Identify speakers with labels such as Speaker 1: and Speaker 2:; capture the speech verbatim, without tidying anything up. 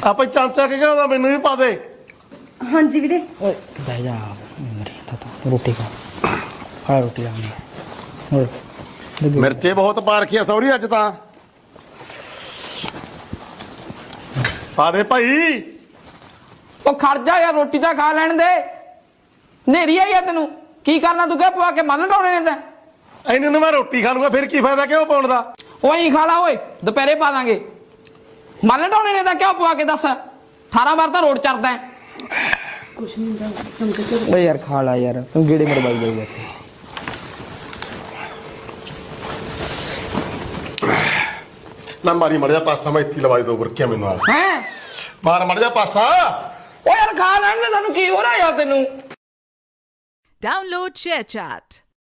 Speaker 1: ਆਪਾਂ ਚਾਂਚਾ ਕੇ ਕਹਿੰਦਾ ਮੈਨੂੰ ਵੀ ਪਾ ਦੇ।
Speaker 2: ਹਾਂਜੀ ਵੀਰੇ।
Speaker 3: ਓਏ ਬਹਿ ਜਾ ਮੇਰੀ ਤਾਂ ਰੋਟੀ ਖਾ ਖਾ ਰੋਟੀ ਆ ਹੋਰ
Speaker 1: ਮਿਰਚੇ ਬਹੁਤ ਪਾ ਰੱਖੀਆਂ ਸੌਰੀ ਅੱਜ ਤਾਂ। ਪਾ ਦੇ ਭਾਈ।
Speaker 4: ਉਹ ਖੜ ਜਾ ਯਾਰ ਰੋਟੀ ਤਾਂ ਖਾ ਲੈਣ ਦੇ। ਨੇਰੀ ਆਈ ਆ ਤੈਨੂੰ ਕੀ ਕਰਨਾ ਤੂੰ ਕਿਹ ਪਵਾ ਕੇ ਮੱਲ ਢਾਉਣੇ ਨੇ ਤਾਂ।
Speaker 1: ਇਹਨੂੰ ਨੂੰ ਮੈਂ ਰੋਟੀ ਖਾ ਲੂੰਗਾ ਫਿਰ ਕੀ ਫਾਇਦਾ ਕਿਉਂ ਪਾਉਣ ਦਾ।
Speaker 4: ਉਹੀ ਖਾ ਲਾ ਓਏ ਦੁਪਹਿਰੇ ਪਾ ਦਾਂਗੇ। ਮੱਲ ਢਾਉਣੇ ਨੇ ਤਾਂ ਕਿਉਂ ਪਵਾ ਕੇ ਦੱਸ। ਅਠਾਰਾਂ ਵਾਰ ਤਾਂ ਰੋਡ ਚੜਦਾ
Speaker 2: ਕੁਛ ਨਹੀਂ ਹੁੰਦਾ ਚਮਕੇ
Speaker 3: ਓਏ ਯਾਰ ਖਾ ਲਾ ਯਾਰ ਤੂੰ ਗੇੜੇ ਮਰਵਾਈ ਜਾਈ ਯਾਰ।
Speaker 1: ਨਾ ਮਾਰੀ ਮੜ ਜਾ ਪਾਸਾ ਮੈਂ ਇੱਥੇ ਲਵਾ ਦੇ ਦੋ ਬੁਰਕੀਆਂ ਮੈਨੂੰ ਨਾਲ।
Speaker 4: ਹੈ
Speaker 1: ਮਾਰ ਮੜ ਜਾ ਪਾਸਾ।
Speaker 4: ਓ ਯਾਰ ਖਾ ਲੈਣ ਦੇ ਤੈਨੂੰ ਕੀ ਹੋ ਰਿਹਾ ਯਾਰ ਤੈਨੂੰ।
Speaker 5: Download ShareChat.